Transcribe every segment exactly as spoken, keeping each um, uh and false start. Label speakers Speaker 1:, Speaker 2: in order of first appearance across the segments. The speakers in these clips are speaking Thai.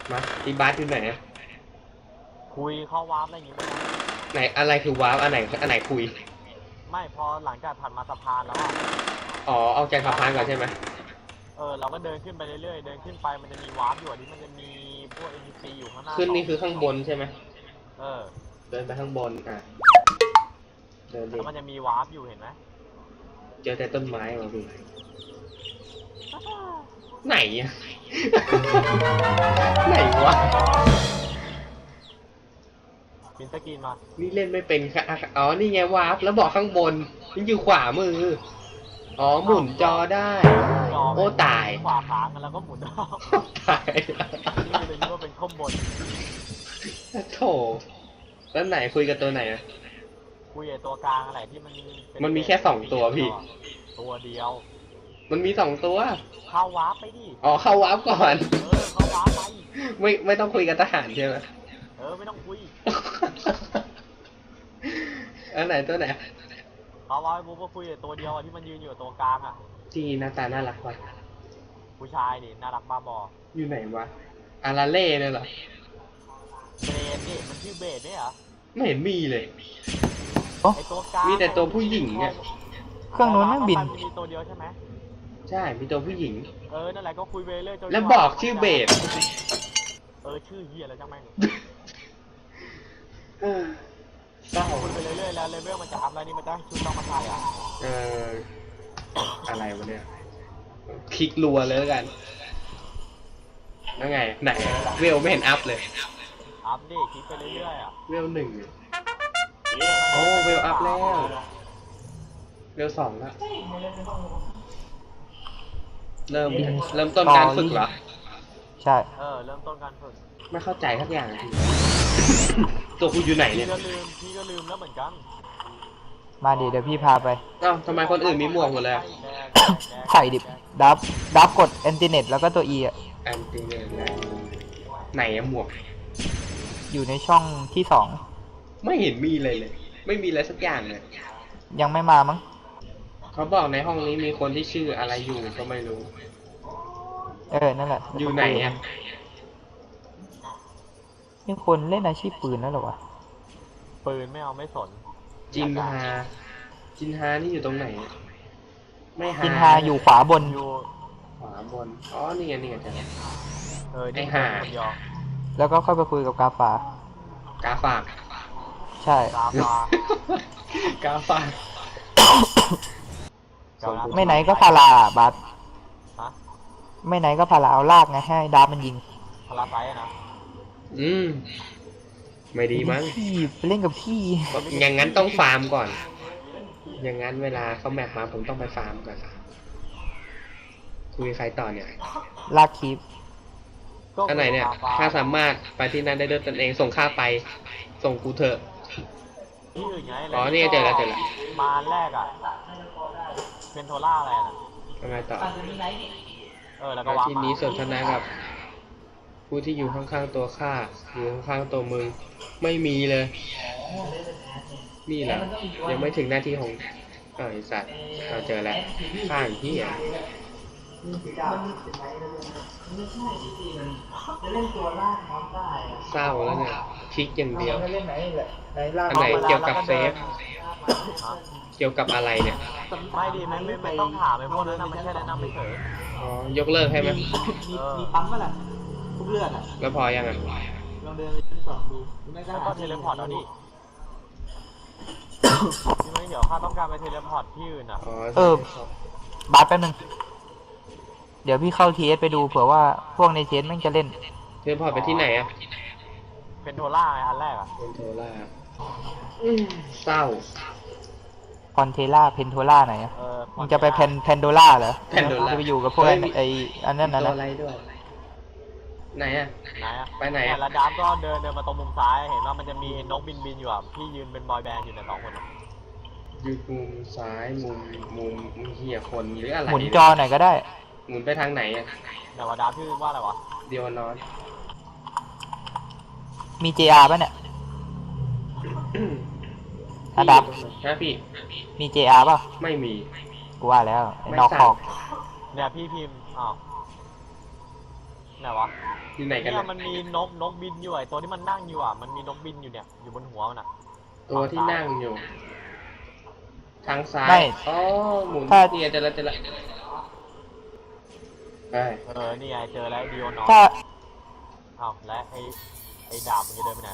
Speaker 1: มาอีบาสอยู่ไหนอะ
Speaker 2: คุยเข้าวาร์ปอะไรอย่างงี้ไหม
Speaker 1: ไหนอะไรคือวาร์ปอันไหนอันไหนคุย
Speaker 2: ไม่พอหลังจากผ่านมาสะพานแล้วอ่ะ
Speaker 1: อ๋อเอาจากสะพานก่อนใช่ไหม
Speaker 2: เออเราก็เดินขึ้นไปเรื่อยๆเดินขึ้นไปมันจะมีวาร์ปอยู่อันนี้มันจะมีพวก เอ็น พี ซี อยู่ข้างหน้า
Speaker 1: ขึ้นนี่คือข้างบนใช่ไหม
Speaker 2: เออ
Speaker 1: เดินไปข้างบนอ่ะเดินดิ
Speaker 2: แล้วมันจะมีวาร์ปอยู่เห็นไหม
Speaker 1: เจอแต่ต้นไม้มาดูไหนอะไหนวะ
Speaker 2: ปินสกรีนมา
Speaker 1: นี่เล่นไม่เป็นค่ะอ๋อนี่ไงวาร์ปแล้วบอกข้างบนนี่อยู่ขวามืออ๋อหมุนจอได้โอ้ตาย
Speaker 2: ขวาค้างกันแล้วก็หมุน
Speaker 1: ตาย
Speaker 2: นี่เลยนี่ว่าเป็นข้อมบน
Speaker 1: โถแล้วไหนคุยกับตัวไหนอะ
Speaker 2: คุยกับตัวกลางอะไรที่มัน
Speaker 1: มันมีแค่สองตัวพี่
Speaker 2: ตัวเดียว
Speaker 1: มันมีสองตัว
Speaker 2: เข้าวาร์ปไปดิ
Speaker 1: อ๋อเข้าวาร์ปก่อน
Speaker 2: เออเข้าวาร์ปไป
Speaker 1: ไม่ไม่ต้องคุยกับทหารใช่ไหม
Speaker 2: เออไม่ต้องคุย
Speaker 1: อันไหนตัวไหน
Speaker 2: เขาว่าบุ๊กก็คุยกับตัวเดียวที่มันยืนอยู่ตัวกลางอ่ะ
Speaker 1: ที่หน้าตาน่ารักว่ะ
Speaker 2: ผู้ชายดิน่ารักบ้าบอ
Speaker 1: อยู่ไหนวะอาราเล่เนี่ยเหรอ
Speaker 2: เบสดิมันชื่อเบสเนี่ยเหรอ
Speaker 1: ไม่เห็นมีเลย
Speaker 2: ไอตัวกลาง
Speaker 1: มีแต่ตัวผู้หญิงเนี่ย
Speaker 3: เครื่องนู้นไม่บิน
Speaker 2: มีตัวเดียวใช่ไหม
Speaker 1: ใช่มีตัวผู้หญิง
Speaker 2: เออนั่นแหละก็คุยไปเรื่อย
Speaker 1: แล้วบอกชื่อเบส
Speaker 2: เออชื่อเฮียอะไรจังแม่ง
Speaker 1: เศร้า
Speaker 2: คุยไปเรื่อยๆแล้วเลเวลมันจะอัพแล้วนี่มันจะชุดต้องมาใส่อ่ะ
Speaker 1: เอออะไรวะเนี่ยคลิกรัวเลยแล้วกันแล้วไงไหนเวลไม่เห็นอัพเลย
Speaker 2: อัพดิคลิกไปเรื่อยๆอ่ะ
Speaker 1: เวลหนึ่งโอ้เวลอัพแล้วเวลสองแล้วเริ่มเริ่มต้นการฝึกเหรอ
Speaker 3: ใช่
Speaker 2: เออเริ่มต้นการฝึก
Speaker 1: ไม่เข้าใจทักอย่างทีตัวกูอยู่ไหนเนี่ย
Speaker 2: พี่ก็ลืมพี่ก็ลืมแล้วเหมือนกัน
Speaker 3: มาดิเดี๋ยวพี่พาไป
Speaker 1: อ้าวทำไมคนอื่นมีหมวกหมดเลย
Speaker 3: ใส่ดิดับดับกดแอนติเน็ตแล้วก็ตัว E อ่ะ
Speaker 1: แอนติเน็ตไหนอะหมวก
Speaker 3: อยู่ในช่องที่สอง
Speaker 1: ไม่เห็นมีเลยเลยไม่มีอะไรสักอย่างเลย
Speaker 3: ยังไม่มามั้ง
Speaker 1: เขาบอกในห้องนี้มีคนที่ชื่ออะไรอยู่ก็ไม่รู้
Speaker 3: เออนั่นแหละ
Speaker 1: อยู่ไหนอะ
Speaker 3: นี่คนเล่นอาชีพปืนแล้วหรอวะ
Speaker 2: ปืนไม่เอาไม่สน
Speaker 1: จินฮาจินฮานี่อยู่ตรงไหนไม่ฮา
Speaker 3: จินฮาอยู่ขวาบน
Speaker 2: อยู่
Speaker 1: ขวาบนอ๋อนี่ไงนี่ไงจ้ะ
Speaker 2: เออไอ้
Speaker 1: ฮา
Speaker 3: แล้วก็ค่อยไปคุยกับกาฝาก
Speaker 1: าฝาก
Speaker 3: ใช่
Speaker 2: กาฝาก
Speaker 1: กาฝาก
Speaker 3: ไม่ไหนก็พาราบัสไม่ไหนก็พาราเอาลากไงให้ดับมันยิง
Speaker 2: พาราไซนะ
Speaker 1: อืมไม่ดีมั้ง
Speaker 3: พี่ไปเล่นกับพี่
Speaker 1: อย่างนั้นต้องฟาร์มก่อนอย่างนั้นเวลาเขาแมปมาผมต้องไปฟาร์มก่อนคุยใครต่อเนี่ย
Speaker 3: ลากคลิป
Speaker 1: อันไหนเนี่ยถ้าสามารถไปที่นั่นได้ด้วยตนเองส่งค่าไปส่งกูเถอะอ๋อนี่เจอแล้วเจอแล้ว
Speaker 2: มาแรกอ่ะเป็นโทล่าอะไรนะ
Speaker 1: ทำไมต่อ
Speaker 2: เออแล้วก็วาง
Speaker 1: ที่นี้สนทนากับผู้ที่อยู่ข้างๆตัวข้าอยู่ข้างๆตัวมึงไม่มีเลยนี่แหละยังไม่ถึงหน้าที่ของเออไอสัตว์เราเจอแล้วข้างที่อ่ะเศร้าแล้วเนี่ยคลิกอย่างเดียวอันไหนเกี่ยวกับเซฟเกี่ยวกับอะไรเนี่ย
Speaker 2: ไม่ดีไม่ไม่ไม่ต้องถามไอ้พวกนั้นนะมันแค่แนะนำไปเฉย
Speaker 1: อ๋อยกเลิกให้ไหม
Speaker 3: มีปั๊มก็แหละทุกเลือดอ่ะ
Speaker 1: แล้วพอยังอ่ะ
Speaker 3: ลองเดินไปชั้นสองดู
Speaker 2: แล้วก็เทเลพอร์ตเอาดิที่ไม่เดี๋ยวข้าต้องการไปเทเลพอร์ตที่อื่นอ่ะ
Speaker 3: เออบัสแป๊บนึงเดี๋ยวพี่เข้าทีเอสไปดูเผื่อว่าพวกในทีเอสแม่งจะเล่น
Speaker 1: เทเลพอร์ตไปที่ไหนอ่ะ
Speaker 2: เป็นโทล่าไงอันแรกอ่ะ
Speaker 1: เป็นโทล่าเศร้า
Speaker 3: พอนเทล่าเพนโทล่าไหนอ่ะมึงจะไปเพนเพนโดล่าเหรอ
Speaker 1: เพนโดล่า
Speaker 3: จะไปอยู่กับพวกไออันนั้นนะ
Speaker 1: อะไรด้วยไหนอ่ะ
Speaker 2: ไหนอ่ะ
Speaker 1: ไปไหนอ่ะ
Speaker 2: แล้วดับก็เดินเดินมาตรงมุมซ้ายเห็นว่ามันจะมีนกบินบินอยู่อ่ะพี่ยืนเป็นบอยแบนด์อยู่ในสองคน
Speaker 1: ยืนมุมซ้ายมุมมุมมุมเหี้ยคนหรืออะไร
Speaker 3: หมุนจอไหนก็ได้
Speaker 1: หมุนไปทางไหนอ่ะ
Speaker 2: แต่ว่าดับชื่อว่าอะไรวะ
Speaker 1: เดียวนอน
Speaker 3: มี เจ อาร์ ป่ะเนี่ยอะดับ
Speaker 1: นะพี่
Speaker 3: มี เจ อาร์ ป่ะ
Speaker 1: ไม่มี
Speaker 3: กูว่าแล้วนอกขอบ
Speaker 2: เนี่ยพี่พิมพ์อ้าวในไหนวะ
Speaker 1: อยู่ไหนกัน
Speaker 2: เนี่ย
Speaker 1: นะ
Speaker 2: มันมีนกนกบินอยู่ไอ้ตัวที่มันนั่งอยู่อ่ะมันมีนกบินอยู่เนี่ยอยู่บนหัวมันอ่ะ
Speaker 1: ตัวที่นั่งอยู่ ทางซ้า
Speaker 3: ไม่
Speaker 1: ยอ๋อหมุน
Speaker 3: ถ้า
Speaker 1: เนี่ยเจอแล้วเจอแล้วไป
Speaker 2: เออนี่ไงเจอแล้วดิโอนอ
Speaker 3: ถ้า
Speaker 2: อ้าวและไอ้ไอ้ดาบมันจะเดินไปไหน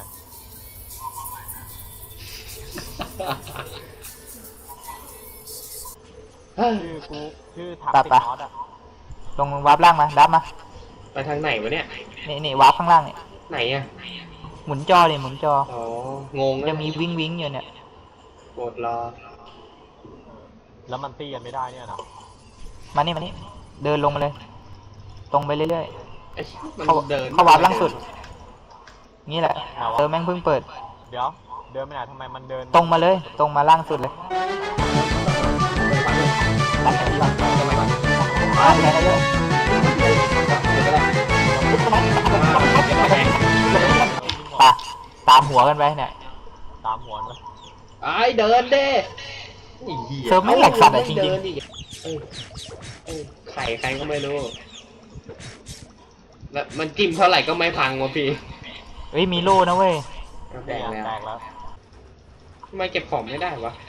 Speaker 2: ชื่อกูชื่อถักติดน็อตอ่ะ
Speaker 3: ลงวาร์ปล่างมาดับมา
Speaker 1: ไปทางไหนวะเนี่ย
Speaker 3: นี่นี่วาร์ปข้างล่างนี่
Speaker 1: ไหนอ่ะ
Speaker 3: หมุนจอเลยหมุนจอ
Speaker 1: อ๋องง
Speaker 3: จะมีวิ้งวิ้งอยู่เนี่ย
Speaker 1: กดรอ
Speaker 2: แล้วมันตีกันไม่ได้เนี่ยนะ
Speaker 3: มานี่มานี่เดินลงมาเลย ตรงไปเรื่อย
Speaker 1: ไอ้มัน
Speaker 3: ๆเข้า
Speaker 1: เดิน
Speaker 3: เข้าวาร์ปล่างสุดนี่แหละเออแม่งเพิ่งเปิด
Speaker 2: เดี๋ยวเดินไปไหนทำไมมันเดิน
Speaker 3: ตรงมาเลย ตรงมาล่างสุดเลยตัดที่หลังมาแค่นั้นเลยตาตามหัวกันไปเนี่ย
Speaker 2: ตามหัวมัน
Speaker 1: ไอ้เดินเด้ไอ้หี้ย
Speaker 3: เธอไม่แหลกสัตว์อะจริงๆ
Speaker 1: เดินดิเออเออไข่ใครก็ไม่รู้ แล้วมันจิ้มเท่าไหร่ก็ไม่พังวะพี่
Speaker 3: เฮ้ยมีโล่นะเว้ย
Speaker 1: เอาแต
Speaker 2: แต
Speaker 1: ก
Speaker 2: ก
Speaker 1: แล้ว
Speaker 2: แตกแล้ว
Speaker 1: ทำไมเก็บของไม่ได้วะ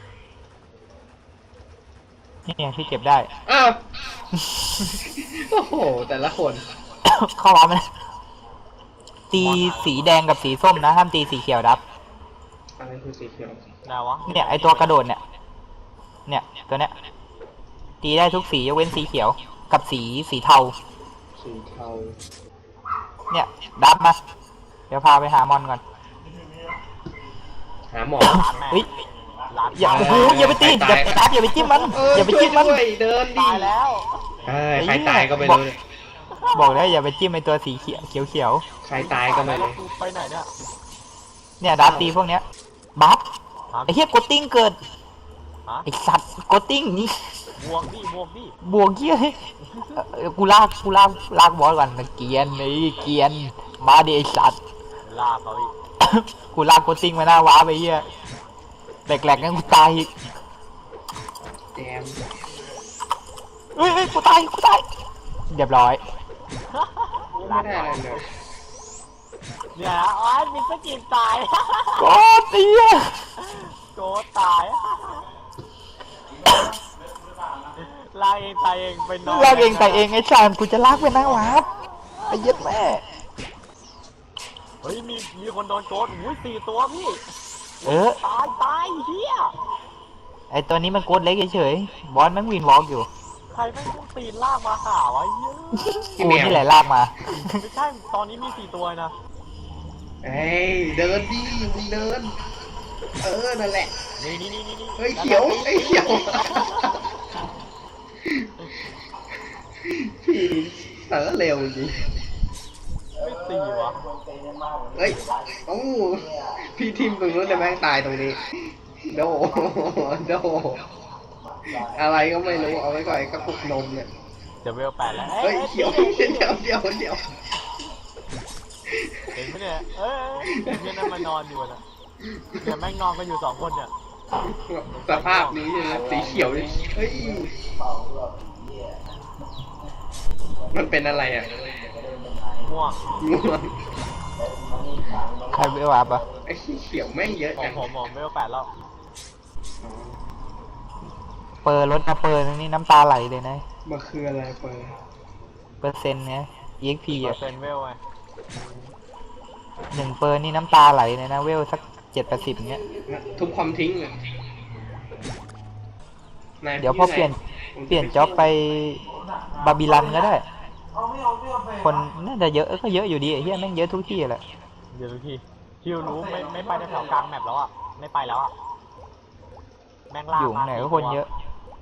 Speaker 3: นี่ไงพี่เก็บได้
Speaker 1: อ้าว โอ้โห แต่ละคน
Speaker 3: เข้าวาร์ปมันตีสีแดงกับสีส้มนะห้ามตีสีเขียวดับ
Speaker 1: อะไรคือสีเขียว
Speaker 2: ไหนวะ
Speaker 3: เนี่ยไอตัวกระโดดเนี่ย เนี่ยตัวเนี้ยตีได้ทุกสียกเว้นสีเขียว กับสีสีเทา
Speaker 1: สีเทา
Speaker 3: เนี่ยดับมา เดี๋ยวพาไปหามอนก่อน
Speaker 1: หาหมอ
Speaker 2: ร้านแม่
Speaker 3: เฮ้ย
Speaker 2: ร้าน
Speaker 3: อย่า
Speaker 2: ตาย
Speaker 3: โอ้โห
Speaker 2: แล้ว
Speaker 3: อย่าไปตีอย่าไปดับอย่าไปจิ้มมัน
Speaker 1: เออ
Speaker 3: อย่าไปจิ้มมัน
Speaker 1: ช่วยด้วยเดินดิ
Speaker 2: ตายแล้ว
Speaker 1: เอ้ยใครตายก็ไม่รู้เนี่ย
Speaker 3: บอกแล้วอย่าไปจิ้มไอตัวสีเขียวเขียวเขียว
Speaker 1: ใครตายก็ไม่
Speaker 2: แล้ว
Speaker 1: รู้
Speaker 2: กูไปไหนเนี่ย
Speaker 3: เนี่ยดับตีพวกเนี้ยบัฟ
Speaker 2: ฮะ
Speaker 3: ไอเฮียกดติ้งเกิด
Speaker 2: ฮะ
Speaker 3: ไอสัตว์กดติ้งนี่
Speaker 2: บวกดิบวกดิ
Speaker 3: บวกเฮียเฮ้ยเออกูลากกูลากลากบอสก่อนมันเกรียนเลยเกรียนมาดิไอสัตว์
Speaker 2: ลาเขาอีก
Speaker 3: กูลากกดติ้งมาหน้าว้าไปเฮียแหลกๆงั้นกูตายอีก
Speaker 1: แจม
Speaker 3: เฮ้ยเฮ้ยกูตายกูตายเรียบร้อย
Speaker 1: ไม่ได้อะไรเลย
Speaker 2: เนี่ยนะอ๋อมิสกินตาย
Speaker 3: โกดเฮีย
Speaker 2: โกตายลากเองตายเองไปนอน
Speaker 3: ลากเองแต่เองไอ้ชานกูจะลากไปหน้าว้าไอ้เหี้ย็ดแม่
Speaker 2: เฮ้ยมีมีคนโดนโกดอุ้ยสี่ตัวพี่
Speaker 3: เออ
Speaker 2: ตายตายเฮีย
Speaker 3: ไอตัวนี้มันโกดเล็กเฉยๆบอสแม่งวินวอล์กอยู่
Speaker 2: ใครไม่ต้องตีนลากมาหาวะเฮีย
Speaker 3: กูนี่แหละลากมา
Speaker 2: ไม่ใช่ตอนนี้มีสี่ตัวนะ
Speaker 1: เอ้ยเดินดิมึงเดิน เออ นั่นแหละ
Speaker 2: นี่นี่นี่นี่
Speaker 1: เฮ้ยเขียวไอ้ยเขียว พี่เออเร็วจริง
Speaker 2: ไม่ตีวะ
Speaker 1: เฮ้ยโอ้พี่ทิมตรงนู้นแต่แม่งตายตรงนี้ โด โด อะไรก็ไม่รู้ เอาไว้ก่อนไอ้กระปุกนมเนี่ย
Speaker 2: เดี๋ยวเวลแปดแล้ว
Speaker 1: เฮ้ยเขียวเดี๋ยวเดี๋ยวเดี๋ยว
Speaker 2: เห็นไหมเนี่ยเอ้ยเพื่อนนั่นมานอนอยู่นะเดี๋ยวแม่งนอนกันอยู่สองคนเนี่ย
Speaker 1: สภาพนี้เนี่ยนะสีเขียวเนี่ยเฮ้ย มันเป็นอะไรอ่ะ
Speaker 2: ม่วง
Speaker 1: ง่วง
Speaker 3: ใครไปวับอ่ะ
Speaker 1: ไอ้เขียวแม่งเยอะ
Speaker 2: ขอ
Speaker 1: จั
Speaker 2: ง
Speaker 1: ง
Speaker 2: ผมผมเวลแปดแล้ว
Speaker 3: เปิดรถนะเปิดนี่น้ำตาไหลเลยนะ
Speaker 1: มันคืออะไรเปิด
Speaker 3: เปอร์เซ็นต์เนี่ย อี เอ็กซ์ พี
Speaker 2: เปอ
Speaker 3: อ่ะ
Speaker 2: ร์เซ็นต์เวลไง
Speaker 3: หนึ่งเปิดนี่น้ำตาไหลเลยนะเวลสักเจ็ดแปดสิบเนี้ย
Speaker 1: ทุบความทิ้งเลยนาย
Speaker 3: เดี๋ยวพอเปลี่ยน
Speaker 1: ผมจะ
Speaker 3: เปลี่ยนจ็อบไปบาบิลันก็ได้ คนน่าจะเยอะก็เยอะอยู่ดีไอ้เหี้ยแม่งเยอะทุกที่แหละ
Speaker 2: เดี๋ยวพี่คิวรู้ไม่ไม่ไปแถวกลางแมปแล้วอ่ะไม่ไปแล้วอ่ะแม่งลาก
Speaker 3: อยู่
Speaker 2: มา
Speaker 3: ไหนก็คนเยอะ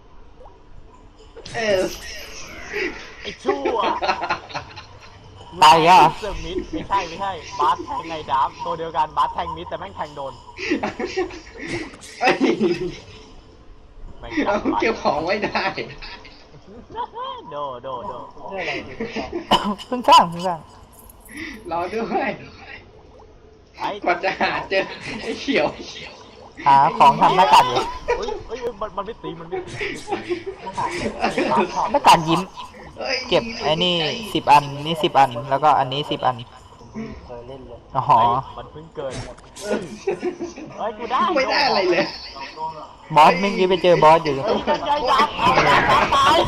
Speaker 1: เออ
Speaker 2: ไอ้ชั่ว
Speaker 3: ตายอีกแล้วเหรอ
Speaker 2: เซอร์มิดไม่ใช่ไม่ใช่บาสแทงไงดับตัวเดียวกันบาสแทงมิดแต่แม่งแทงโดน
Speaker 1: เอ้ย
Speaker 2: แม่ง
Speaker 1: เอา
Speaker 2: จับ
Speaker 1: เก็บของไว้ได้
Speaker 2: โดโดโด
Speaker 3: เพิ่งสร้างเพิ่งสร้าง
Speaker 1: รอด้วย
Speaker 2: ไอ้
Speaker 1: กว่าจะหาเจอไอ้เขียว
Speaker 3: หาของทำหน้ากากอยู่
Speaker 2: เฮ้ยเฮ้ยมันมันไม่ตีมันไม่ตี
Speaker 3: หน้ากากยิ้ม
Speaker 1: อ้ย
Speaker 3: เก็บไอ้นี่สิบอันนี่สิบอัน แล้วก็อันนี้สิบอัน
Speaker 2: เคยเล่นเลย
Speaker 3: อ๋อ
Speaker 2: เฮ้ยมันเพิ่งเกินเฮ้ยกูได้
Speaker 1: ไม่ได้อะไรเลย
Speaker 3: บอสเมื่อกี้ไปเจอบอสอยู่
Speaker 2: เฮ้ยกันใจยับเอายับตาย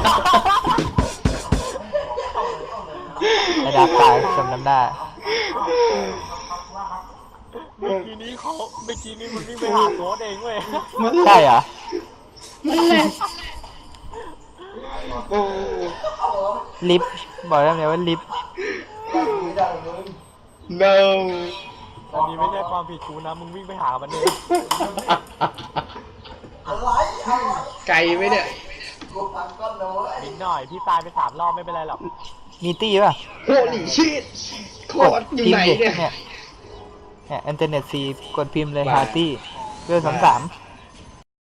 Speaker 3: ไอ้ดาบตายสมน้ำหน้า
Speaker 2: เมื่อกี้นี้เขาเมื่อกี้นี้มันวิ่งไปหาโค้ดเองเว้ย
Speaker 3: ใช่เหรอ
Speaker 1: นั่นแหละโอ้
Speaker 3: ลิฟต์บอกแล้วไงว่าลิฟต์
Speaker 1: no
Speaker 2: อันนี้ไม่ใช่ความผิดกูนะมึงวิ่งไปหามันเอง
Speaker 1: ไกลไหมเนี่ย
Speaker 2: นิดหน่อยพี่ตายไปสามรอบไม่เป็นไรหรอก
Speaker 3: มีตี้ป่ะ
Speaker 1: โหลีชิตโคตรอยู่ไหน
Speaker 3: พิมพ์ดิ
Speaker 1: เนี่ย
Speaker 3: เนี่ยเนี่ยอินเทอร์เน็ตซีกดพิมพ์เลย
Speaker 1: ว่า
Speaker 3: ฮาร์ตี้เพื่อสามสาม